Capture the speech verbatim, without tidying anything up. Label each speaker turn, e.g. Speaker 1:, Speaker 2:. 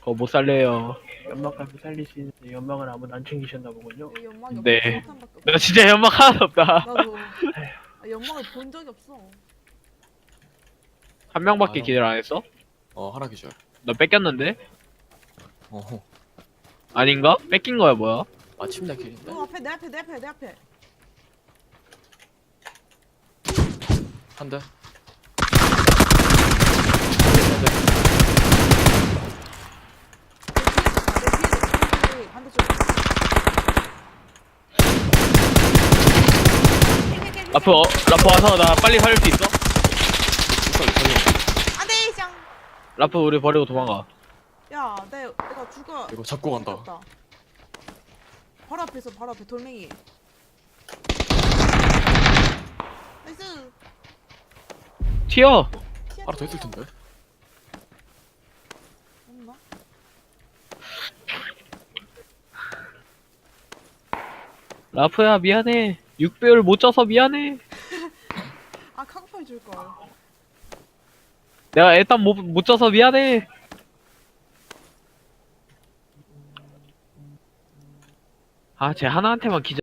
Speaker 1: 저 못 살려요. 연막까지 살릴 수 있는데 연막을 아무도 안 챙기셨나 보군요.
Speaker 2: 여기 연막이
Speaker 1: 네.
Speaker 2: 없어. 수류탄밖에 없어.
Speaker 1: 나 진짜 연막 하나도 없다.
Speaker 2: 나도 아, 연막을 본 적이 없어.
Speaker 1: 한 명밖에
Speaker 3: 아,
Speaker 1: 기절 안 했어?
Speaker 3: 어 하나 기절.
Speaker 1: 너 뺏겼는데?
Speaker 3: 어
Speaker 1: 아닌가? 뺏긴 거야 뭐야?
Speaker 3: 마침내 길인데.
Speaker 2: 어 앞에 내 앞에 내 앞에 내 앞에.
Speaker 3: 한 대.
Speaker 2: 내 뒤에 있었다. 내 뒤에 있었다. 반대쪽.
Speaker 1: 라프 어, 라프 와서 나 빨리 살릴 수 있어?
Speaker 3: 빨리 살려.
Speaker 2: 안돼 짱.
Speaker 1: 라프 우리 버리고 도망가.
Speaker 2: 야, 내 내가 죽어.
Speaker 3: 이거 잡고 간다.
Speaker 2: 죽였다. 바로 앞에 있어. 바로 앞에 돌멩이. 나이스.
Speaker 1: 튀어!
Speaker 3: 하나 더 있을 텐데.
Speaker 2: 없나?
Speaker 1: 라프야 미안해. 육 배율 못 쪄서 미안해.
Speaker 2: 아 카고팔 줄 걸.
Speaker 1: 내가 일단 못, 못 쪄서 미안해. 아, 쟤 하나한테만 기절.